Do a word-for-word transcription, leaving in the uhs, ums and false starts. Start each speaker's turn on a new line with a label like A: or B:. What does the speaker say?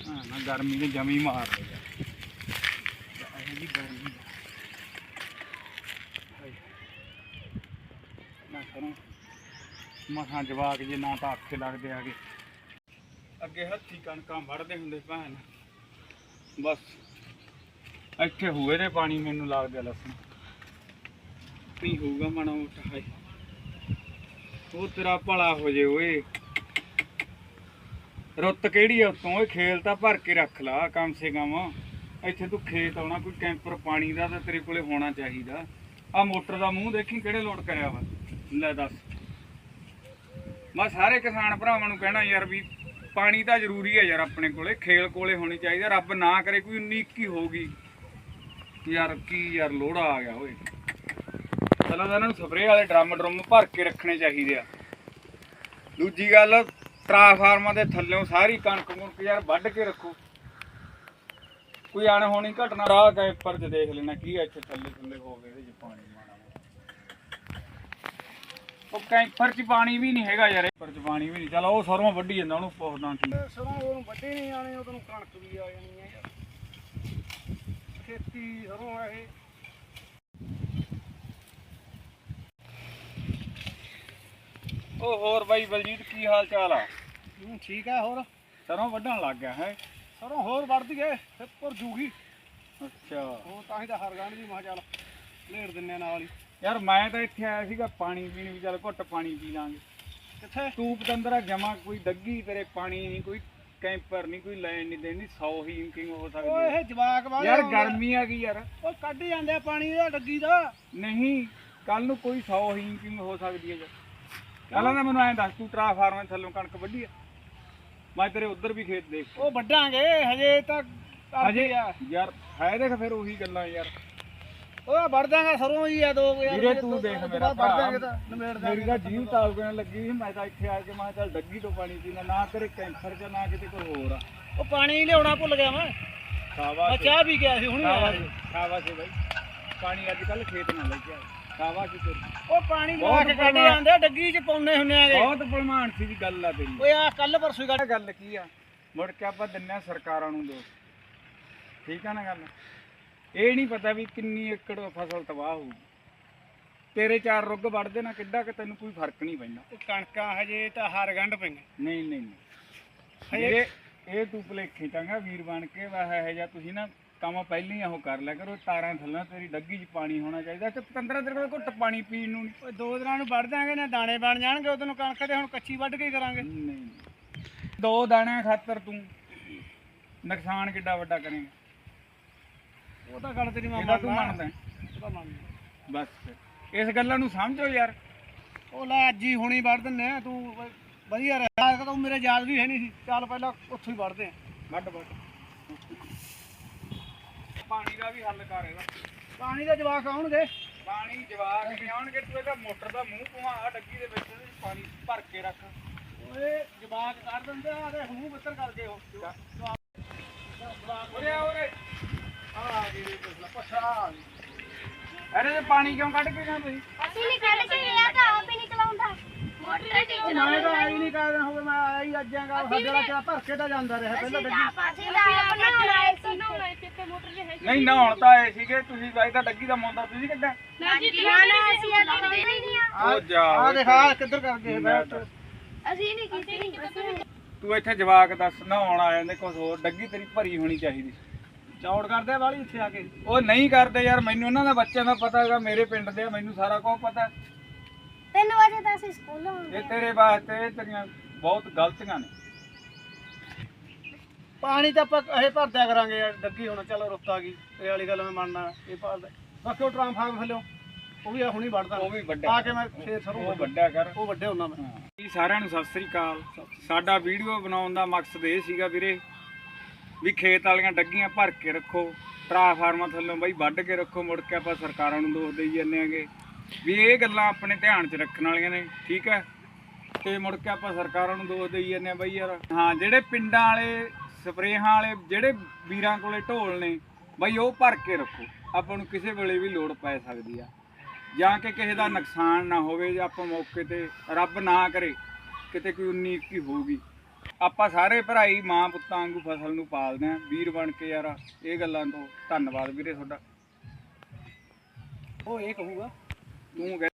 A: ਨਾ ਗਰਮੀ ਨੇ ਜਮੀ ਮਾਰ ਲਿਆ ਜੀ ਗਰਮੀ ਨਾ ਕਰੋ ਮਸਾਂ ਜਵਾਕ ਜੇ ਨਾ ਤਾਂ ਅੱਖੇ ਲੱਗਦੇ ਆਗੇ ਅੱਗੇ ਹੱਥੀ ਕਣਕਾਂ ਵੜਦੇ ਹੁੰਦੇ ਭੈਣ ਬਸ ਇੱਥੇ ਹੋਏ ਨੇ ਪਾਣੀ ਮੈਨੂੰ ਲੱਗਦਾ ਲਸਣ ਨਹੀਂ ਹੋਊਗਾ ਮਾੜਾ ਮੋਟਾ ਹੈ ਉਹ ਤੇਰਾ ਭਲਾ ਹੋ ਜੇ ਓਏ ਰੁੱਤ ਕਿਹੜੀ ਆ ਉਤੋਂ ਇਹ ਖੇਲ ਤਾਂ ਭਰ ਕੇ ਰੱਖ ਲਾ ਕਮ ਸੇ ਕਮ ਇੱਥੇ ਤੂੰ ਖੇਤ ਆਉਣਾ ਕੋਈ ਕੈਂਪਰ ਪਾਣੀ ਦਾ ਤਾਂ ਤੇਰੇ ਕੋਲੇ ਹੋਣਾ ਚਾਹੀਦਾ ਆ ਮੋਟਰ ਦਾ ਮੂੰਹ ਦੇਖੀ ਕਿਹੜੇ ਲੋਡ ਕਰਿਆ ਵਾ ਲੈ ਦੱਸ ਮੈਂ ਸਾਰੇ ਕਿਸਾਨ ਭਰਾਵਾਂ ਨੂੰ ਕਹਿਣਾ ਯਾਰ ਵੀ ਪਾਣੀ ਤਾਂ ਜ਼ਰੂਰੀ ਹੈ ਯਾਰ ਆਪਣੇ ਕੋਲੇ ਖੇਲ ਕੋਲੇ ਹੋਣੀ ਚਾਹੀਦੀ ਰੱਬ ਨਾ ਕਰੇ ਕੋਈ ਉੱਨੀ ਇੱਕੀ ਹੋਊਗੀ ਯਾਰ ਕੀ ਯਾਰ ਲੋੜਾ ਆ ਗਿਆ ਓਏ ਪਹਿਲਾਂ ਤਾਂ ਇਹਨਾਂ ਨੂੰ ਸਪਰੇਅ ਵਾਲੇ ਡਰਮ ਡਰਮ ਭਰ ਕੇ ਰੱਖਣੇ ਚਾਹੀਦੇ ਆ ਦੂਜੀ ਗੱਲ ਟਰਾਂਸਫਾਰਮਾਂ ਦੇ ਥੱਲਿਓਂ ਸਾਰੀ ਕਣਕ ਕੁਣਕ ਯਾਰ ਵੱਢ ਕੇ ਰੱਖੋ ਕੋਈ ਅਣਹੋਣੀ ਘਟਨਾ ਰਾਹ ਕੈਂਪਰ 'ਚ ਦੇਖ ਲੈਣਾ ਕੀ ਇੱਥੇ ਥੱਲੇ ਥੱਲੇ ਹੋਵੇ ਇਹਦੇ 'ਚ ਪਾਣੀ ਮਾਣਾ ਉਹ ਕੈਂਪਰ 'ਚ ਪਾਣੀ ਵੀ ਨਹੀਂ ਹੈਗਾ ਯਾਰ ਕੈਂਪਰ 'ਚ ਪਾਣੀ ਵੀ ਨਹੀਂ ਚੱਲ ਉਹ ਸਰੋਂ ਵੱਢੀ ਜਾਂਦਾ ਉਹਨੂੰ ਪੁੱਛਦਾ ਕੀ
B: ਸਰੋਂ ਉਹਨੂੰ ਵੱਢੇ ਨਹੀਂ ਆਣੇ ਉਹਨੂੰ ਕਣਕ ਵੀ ਆ ਜਾਣੀ ਹੈ ਯਾਰ ਖੇਤੀ ਸਰੋਂ ਹੈ ਇਹ
A: ਉਹ ਹੋਰ ਬਾਈ ਬਲਜੀਤ ਕੀ ਹਾਲ ਚਾਲ ਆ
B: ਠੀਕ ਹੈ ਹੋਰ
A: ਸਰੋਂ ਵੱਢਣ ਲੱਗ ਗਿਆ ਹੈ
B: ਸਰੋਂ ਹੋਰ ਵੱਢਦੀ ਏ ਫਿਰ ਭੁਰ ਜੂਗੀ
A: ਅੱਛਾ
B: ਉਹ ਤਾਂ ਹੀ ਤਾਂ ਹਰਗੰਢ ਦੀ ਮੈਂ ਚੱਲ ਲੇੜ ਦਿੰਨੇ ਨਾਲ ਹੀ
A: ਯਾਰ ਮੈਂ ਤਾਂ ਇੱਥੇ ਆਇਆ ਸੀਗਾ ਪਾਣੀ ਪੀਣ ਵੀ ਚੱਲ ਘੁੱਟ ਪਾਣੀ ਪੀ ਲਾਂਗੇ
B: ਕਿੱਥੇ
A: ਤੂੰ ਪਤੰਦਰਾ ਜਮਾ ਕੋਈ ਡੱਗੀ ਤੇਰੇ ਪਾਣੀ ਨਹੀਂ ਕੋਈ ਕੈਂਪਰ ਨਹੀਂ ਕੋਈ ਲੈਣ ਨਹੀਂ ਦੇਣੀ ਸੌ ਹੀ ਇੰਕਿੰਗ ਹੋ ਸਕਦੀ
B: ਓਏ ਇਹ ਜਵਾਕ ਵਾਲੇ
A: ਯਾਰ ਗਰਮੀ ਆ ਗਈ ਯਾਰ
B: ਉਹ ਕੱਢ ਜਾਂਦੇ ਆ ਪਾਣੀ ਦਾ ਡੱਗੀ ਦਾ
A: ਨਹੀਂ ਕੱਲ ਨੂੰ ਕੋਈ ਸੌ ਹੀ ਇੰਕਿੰਗ ਹੋ ਸਕਦੀ ਹੈ ਯਾਰ ਪਹਿਲਾਂ ਤਾਂ ਮੈਨੂੰ ਐਂ ਦੱਸ ਤੂੰ ਟਰਾਂਸਫਾਰਮਰ ਥੱਲੋਂ ਕਣਕ ਵੱਢੀ ਆ ਮੈਂ ਤੇਰੇ ਉਧਰ ਵੀ ਖੇਤ ਦੇਖ
B: ਉਹ ਵੱਢਾਂਗੇ ਹਜੇ ਤਾਂ
A: ਹਜੇ ਯਾਰ ਹੈ ਦੇਖ ਫਿਰ ਉਹੀ ਗੱਲਾਂ ਯਾਰ
B: ਉਹ ਵੱਢ ਦਾਂਗਾ ਸਰੋਂ ਹੀ ਆ ਦੋ ਯਾਰ
A: ਵੀਰੇ ਤੂੰ ਦੇਖ ਮੇਰਾ
B: ਵੱਢ ਦਾਂਗੇ ਤਾਂ ਨਿਬੇੜ ਦਾਂਗੇ
A: ਮੇਰੀ ਤਾਂ ਜੀਵ ਤਾਲਗਣ ਲੱਗੀ ਸੀ ਮੈਂ ਤਾਂ ਇੱਥੇ ਆ ਕੇ ਮੈਂ ਚੱਲ ਡੱਗੀ ਤੋਂ ਪਾਣੀ ਪੀਣਾ ਨਾ ਤੇਰੇ ਕੈਂਸਰ ਚ ਨਾ ਕਿਤੇ ਕੋਈ ਹੋਰ ਆ
B: ਉਹ ਪਾਣੀ ਲਿਆਉਣਾ ਭੁੱਲ ਗਿਆ ਮੈਂ
A: ਸ਼ਾਬਾਸ਼
B: ਮੈਂ ਚਾਹ ਪੀ ਗਿਆ ਸੀ ਹੁਣੇ ਆਇਆ ਸੀ
A: ਸ਼ਾਬਾਸ਼ ਬਾਈ ਪਾਣੀ ਅੱਜ ਕੱਲ ਖੇਤ ਨਾਲ ਲੈ ਕੇ ਆ ਸ਼ਾਬਾਸ਼ ਤੇਰੀ
B: ਉਹ ਪਾਣੀ ਲਵਾ ਕੇ ਕੱਢ ਜਾਂਦੇ ਡੱਗੀ ਚ ਪਾਉਣੇ ਹੁੰਨੇ ਆਗੇ
A: ਬਹੁਤ ਭਲਮਾਨ ਸੀ ਦੀ ਗੱਲ ਆ ਤੇਰੀ
B: ਓਏ ਆ ਕੱਲ ਪਰਸੋਂ ਗੱਲ
A: ਗੱਲ ਕੀ ਆ ਮੁੜ ਕੇ ਆਪਾਂ ਦਿੰਨੇ ਆ ਸਰਕਾਰਾਂ ਨੂੰ ਦੋ ਠੀਕ ਆ ਨਾ ਗੱਲ ਇਹ ਨਹੀਂ ਪਤਾ ਵੀ ਕਿੰਨੀ ਏਕੜ ਫਸਲ ਤਬਾਹ ਹੋਊਗੀ ਤੇਰੇ ਚਾਰ ਰੁੱਗ ਵੜਦੇ ਨਾ ਕਿੱਡਾ ਕਿ ਤੈਨੂੰ ਕੋਈ ਫਰਕ ਨਹੀਂ ਪੈਂਦਾ
B: ਉਹ ਕਣਕਾਂ ਹਜੇ ਤਾਂ ਹਰਗੰਢ ਪਈਆਂ
A: ਨਹੀਂ ਨਹੀਂ ਨਹੀਂ ਇਹ ਇਹ ਤੂੰ ਭੁਲੇਖੇ ਚੰਗਾ ਵੀਰ ਬਣ ਕੇ ਵਾਹ ਇਹ ਜਾਂ ਤੁਸੀਂ ਨਾ ਕੰਮ ਪਹਿਲਾਂ ਹੀ ਉਹ ਕਰ ਲਿਆ ਕਰੋ ਤਾਰਾਂ ਥੱਲੇ ਤੇਰੀ ਡੱਗੀ 'ਚ ਪਾਣੀ ਹੋਣਾ ਚਾਹੀਦਾ ਤੇ ਪੰਦਰਾਂ ਦਿਨ ਕੋਲ ਘੁੱਟ ਪਾਣੀ ਪੀਣ ਨੂੰ
B: ਓਏ ਦੋ ਦਿਨਾਂ ਨੂੰ ਵੱਢ ਦਾਂਗੇ ਨਾ ਦਾਣੇ ਬਣ ਜਾਣਗੇ ਉਦੋਂ ਨੂੰ ਕਣਕ ਦੇ ਹੁਣ ਕੱਚੀ ਵੱਢ ਕੇ ਕਰਾਂਗੇ
A: ਨਹੀਂ ਦੋ ਦਾਣਿਆਂ ਖਾਤਰ ਤੂੰ ਨੁਕਸਾਨ ਕਿੱਡਾ ਵੱਡਾ ਕਰੇਂਗਾ
B: ਉਹ ਤਾਂ ਗੱਲ ਤੇਰੀ ਮੈਂ
A: ਇਹਦਾ ਤੂੰ ਮੰਨਦਾ
B: ਉਹ ਤਾਂ ਮੰਨਦਾ
A: ਬਸ ਇਸ ਗੱਲਾਂ ਨੂੰ ਸਮਝੋ ਯਾਰ
B: ਉਹ ਲੈ ਅੱਜ ਹੀ ਹੁਣੀ ਵੱਢ ਦਿੰਨੇ ਆ ਤੂੰ ਵਧੀਆ ਰਿਹਾ ਤੂੰ ਮੇਰੇ ਯਾਦ ਵੀ ਹੈ ਨਹੀਂ ਸੀ ਚੱਲ ਪਹਿਲਾਂ ਉੱਥੋਂ ਹੀ ਵੱਢਦੇ ਆ
A: ਵੱਢ ਵੱਢ ਪਾਣੀ ਦਾ ਵੀ ਹੱਲ ਕਰ ਇਹਦਾ
B: ਪਾਣੀ ਦੇ ਜਵਾਕ ਆਉਣਗੇ
A: ਪਾਣੀ ਜਵਾਕ ਨਹੀਂ ਆਉਣਗੇ ਤੂੰ ਇਹਦਾ ਮੋਟਰ ਦਾ ਮੂੰਹ ਘੁਮਾ ਡੱਗੀ ਦੇ ਵਿੱਚ ਪਾਣੀ ਭਰ ਕੇ ਰੱਖ
B: ਓਏ ਜਵਾਕ ਕਰ ਦਿੰਦੇ ਆ ਤੇ ਮੂੰਹ ਬੱਤਰ ਕਰਦੇ ਹੋ
A: ਉਰੇ ਆ ਉਰੇ
B: ਆ ਜੀ ਪਛਾ
A: ਅਰੇ ਤੇ ਪਾਣੀ ਕਿਉਂ ਕੱਢ ਕੇ ਗਿਆ ਤੁਸੀਂ
C: ਅਸੀਂ ਨਹੀਂ ਕੱਢ ਕੇ ਗਿਆ ਤਾਂ ਆਪ ਹੀ ਨਹੀਂ ਚਲਾਉਂਦਾ ਮੋਟਰ ਤੇ
B: ਮੈਂ ਤਾਂ ਆਈ ਨਹੀਂ ਕਾਇਦਾ ਹੋਵੇ ਮੈਂ ਆਈ ਅੱਜਾਂਗਾ ਸਾਡਾ ਕਿਆ ਭਰ ਕੇ ਤਾਂ ਜਾਂਦਾ ਰਿਹਾ ਪਹਿਲਾਂ ਗੱਡੀ
C: ਪਾਸੇ ਦਾ ਆਪਣਾ ਬਣਾਏ ਸੀ ਨਾ ਇੱਥੇ ਮੋਟਰ ਜੇ ਹੈ
A: ਨਹੀਂ ਨਹਾਉਣ ਤਾਂ ਆਏ ਸੀਗੇ ਤੁਸੀਂ ਬਾਈ ਤਾਂ ਡੱਗੀ ਦਾ ਮੁੰਡਾ ਤੁਸੀਂ ਕਿੱਦਾਂ
C: ਨਾ ਜੀ ਨਾ ਨਾ ਅਸੀਂ ਆ ਲਾਉਂਦੇ ਨਹੀਂ ਆ
A: ਉਹ ਜਾ
B: ਆ ਦੇਖ ਆ ਕਿੱਧਰ ਕਰ ਗਏ ਬੈਠ
C: ਅਸੀਂ ਨਹੀਂ ਕੀਤੀ
A: ਤੂੰ ਇੱਥੇ ਜਵਾਕ ਦੱਸ ਨਹਾਉਣ ਆ ਜਾਂਦੇ ਕੁਝ ਹੋਰ ਡੱਗੀ ਤੇਰੀ ਭਰੀ ਹੋਣੀ ਚਾਹੀਦੀ
B: ਚੌੜ ਕਰਦੇ ਵਾਲੀ ਇੱਥੇ ਆ ਕੇ
A: ਉਹ ਨਹੀਂ ਕਰਦੇ ਯਾਰ ਮੈਨੂੰ ਉਹਨਾਂ ਦਾ ਬੱਚਿਆਂ ਦਾ ਪਤਾ ਹੈਗਾ ਮੇਰੇ ਪਿੰਡ ਦੇ ਮੈਨੂੰ ਸਾਰਾ ਕੁਝ ਪਤਾ
C: ਤਿੰਨ ਵਜੇ ਤਾਂ ਅਸੀਂ ਸਕੂਲੋਂ
A: ਇਹ ਤੇਰੇ ਵਾਸਤੇ ਇਹ ਤੇਰੀਆਂ ਬਹੁਤ ਗਲਤੀਆਂ ਨੇ
B: ਪਾਣੀ ਤਾਂ ਆਪਾਂ ਇਹ ਭਰਦਿਆ ਕਰਾਂਗੇ ਯਾਰ ਡੱਗੀ ਹੁਣ ਚਲੋ ਰੁੱਤ ਆ ਗਈ ਇਹ ਵਾਲੀ ਗੱਲ ਮੈਂ ਮੰਨਣਾ ਇਹ ਭਰਦਾ ਬਾਕੀ ਉਹ ਟਰਾਂਸਫਾਰਮ ਥੱਲੇ ਉਹ ਵੀ ਹੁਣੀ ਵੱਢਦਾ
A: ਉਹ ਵੀ ਵੱਡਾ
B: ਆ ਕੇ ਮੈਂ ਫੇਰ ਸਰੋਂ
A: ਉਹ ਵੱਡਾ ਕਰ
B: ਉਹ ਵੱਡੇ ਹੁੰਦਾ ਮੈਂ
A: ਜੀ ਸਾਰਿਆਂ ਨੂੰ ਸਤਿ ਸ੍ਰੀ ਅਕਾਲ ਸਾਡਾ ਵੀਡੀਓ ਬਣਾਉਣ ਦਾ ਮਕਸਦ ਇਹ ਸੀਗਾ ਵੀਰੇ ਵੀ ਖੇਤ ਵਾਲੀਆਂ ਡੱਗੀਆਂ ਭਰ ਕੇ ਰੱਖੋ ਟਰਾਂਸਫਾਰਮਾਂ ਥੱਲੋਂ ਬਾਈ ਵੱਢ ਕੇ ਰੱਖੋ ਮੁੜ ਕੇ ਆਪਾਂ ਸਰਕਾਰਾਂ ਨੂੰ ਦੋਸ਼ ਦੇਈ ਜਾਂਦੇ ਆਂਗੇ ਵੀ ਇਹ ਗੱਲਾਂ ਆਪਣੇ ਧਿਆਨ 'ਚ ਰੱਖਣ ਵਾਲੀਆਂ ਨੇ ਠੀਕ ਹੈ ਤੇ ਮੁੜ ਕੇ ਆਪਾਂ ਸਰਕਾਰਾਂ ਨੂੰ ਦੋਸ਼ ਦੇਈ ਜਾਂਦੇ ਆ ਬਾਈ ਯਾਰ ਹਾਂ ਜਿਹੜੇ ਪਿੰਡਾਂ ਵਾਲੇ ਸਪਰੇਹਾਂ ਵਾਲੇ ਜਿਹੜੇ ਵੀਰਾਂ ਕੋਲੇ ਢੋਲ ਨੇ ਬਾਈ ਉਹ ਭਰ ਕੇ ਰੱਖੋ ਆਪਾਂ ਨੂੰ ਕਿਸੇ ਵੇਲੇ ਵੀ ਲੋੜ ਪੈ ਸਕਦੀ ਆ ਜਾਂ ਕਿ ਕਿਸੇ ਦਾ ਨੁਕਸਾਨ ਨਾ ਹੋਵੇ ਜਾਂ ਆਪਾਂ ਮੌਕੇ ਤੇ ਰੱਬ ਨਾ ਕਰੇ ਕਿਤੇ ਕੋਈ ਉੱਨੀ ਇੱਕੀ ਹੋਊਗੀ ਆਪਾਂ ਸਾਰੇ ਭਰਾਈ ਮਾਂ ਪੁੱਤਾਂ ਵਾਂਗੂ ਫਸਲ ਨੂੰ ਪਾਲਦੇ ਆਂ ਵੀਰ ਬਣ ਕੇ ਯਾਰ। ਇਹ ਗੱਲਾਂ ਤੋਂ ਧੰਨਵਾਦ ਵੀਰੇ ਤੁਹਾਡਾ।
B: ਉਹ ਇਹ ਕਹੂਗਾ
A: ਤੂੰ ਕਹਿ